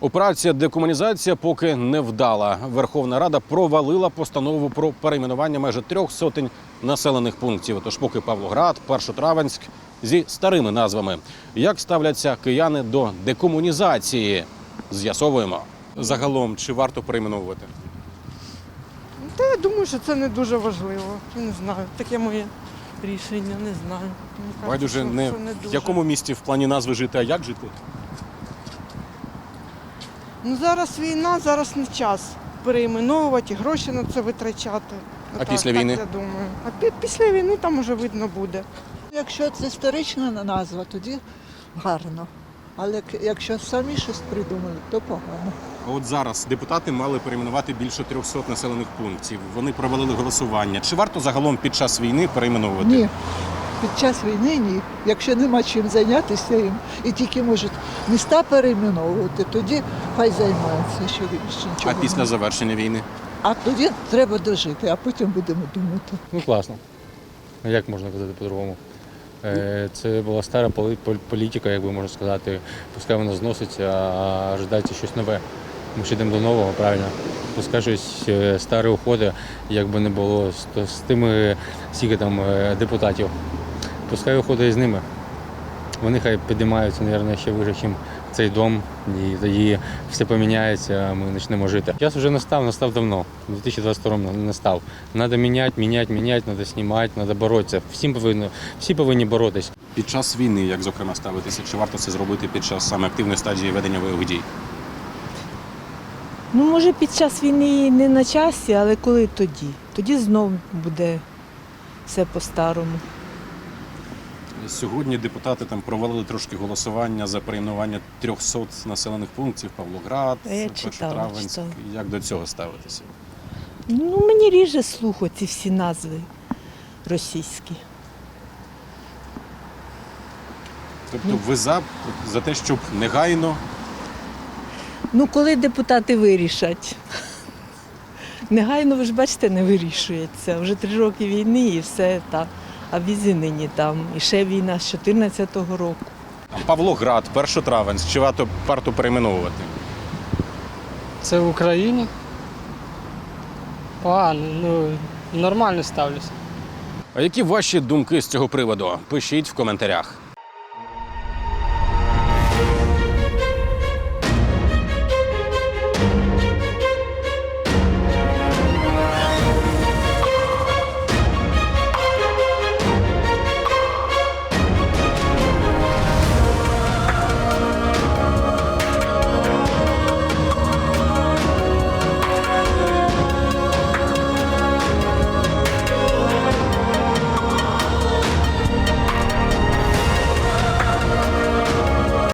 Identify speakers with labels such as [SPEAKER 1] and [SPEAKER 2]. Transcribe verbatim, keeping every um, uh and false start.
[SPEAKER 1] Операція декомунізація поки не вдала. Верховна Рада провалила постанову про перейменування майже трьох сотень населених пунктів. Тож поки Павлоград, Першотравенськ зі старими назвами. Як ставляться кияни до декомунізації? З'ясовуємо. Загалом, чи варто перейменовувати?
[SPEAKER 2] Та я думаю, що це не дуже важливо. Я не знаю. Таке моє рішення, не знаю. Мені кажуть,
[SPEAKER 1] Байдуже
[SPEAKER 2] що-
[SPEAKER 1] не
[SPEAKER 2] що не
[SPEAKER 1] в
[SPEAKER 2] дуже.
[SPEAKER 1] якому місті в плані назви жити, а як жити?
[SPEAKER 2] Ну зараз війна, зараз не час перейменовувати, гроші на це витрачати.
[SPEAKER 1] А
[SPEAKER 2] Отак,
[SPEAKER 1] після
[SPEAKER 2] так
[SPEAKER 1] війни?
[SPEAKER 2] Я думаю. А пі- після війни там уже видно буде.
[SPEAKER 3] Якщо це історична назва, тоді гарно. Але к- якщо самі щось придумали, то погано.
[SPEAKER 1] От зараз депутати мали перейменувати більше трьохсот населених пунктів. Вони провалили голосування. Чи варто загалом під час війни перейменовувати?
[SPEAKER 3] Ні. Під час війни ні. Якщо нема чим зайнятися їм і тільки можуть міста перейменовувати, тоді хай займаються, що більше
[SPEAKER 1] А
[SPEAKER 3] нічого.
[SPEAKER 1] після
[SPEAKER 3] не-
[SPEAKER 1] завершення війни?
[SPEAKER 3] А тоді треба дожити, а потім будемо думати.
[SPEAKER 4] Ну, класно. Як можна казати по-другому? Е, Це була стара поли- пол- політика, як би можна сказати. Пускай вона зноситься, а ожидається щось нове. Ми ж йдемо до нового, правильно. Пускай щось е, старе уходить, як би не було з, то- з тими скільки там е, депутатів. Пускай уходить з ними. Вони хай підіймаються, мабуть, ще вище, ніж цей дом, і тоді все поміняється, а ми почнемо жити. Час вже настав, настав давно, у дві тисячі двадцять другому настав. Треба міняти, міняти, міняти, треба знімати, треба боротися. Всім повинні, всі повинні боротися.
[SPEAKER 1] Під час війни, як зокрема ставитися? Чи варто це зробити під час саме активної стадії ведення бойових дій?
[SPEAKER 5] Ну, може, під час війни і не на часі, але коли тоді? Тоді знов буде все по-старому.
[SPEAKER 1] Сьогодні депутати там провалили трошки голосування за перейменування трьохсот населених пунктів. Павлоград,
[SPEAKER 5] А я читала,
[SPEAKER 1] Першотравенськ.
[SPEAKER 5] читала.
[SPEAKER 1] Як до цього ставитися?
[SPEAKER 5] Ну, мені ріже слуху ці всі назви російські.
[SPEAKER 1] Тобто ви за, за те, щоб негайно
[SPEAKER 5] Ну, коли депутати вирішать. Негайно, ви ж бачите, не вирішується. Вже три роки війни і все так. А візі нині там. І ще війна з чотирнадцятого року.
[SPEAKER 1] там, Павлоград, Першотравенськ, чи варто, варто перейменовувати?
[SPEAKER 6] Це в Україні? Погано, ну нормально ставлюся.
[SPEAKER 1] А які ваші думки з цього приводу? Пишіть в коментарях.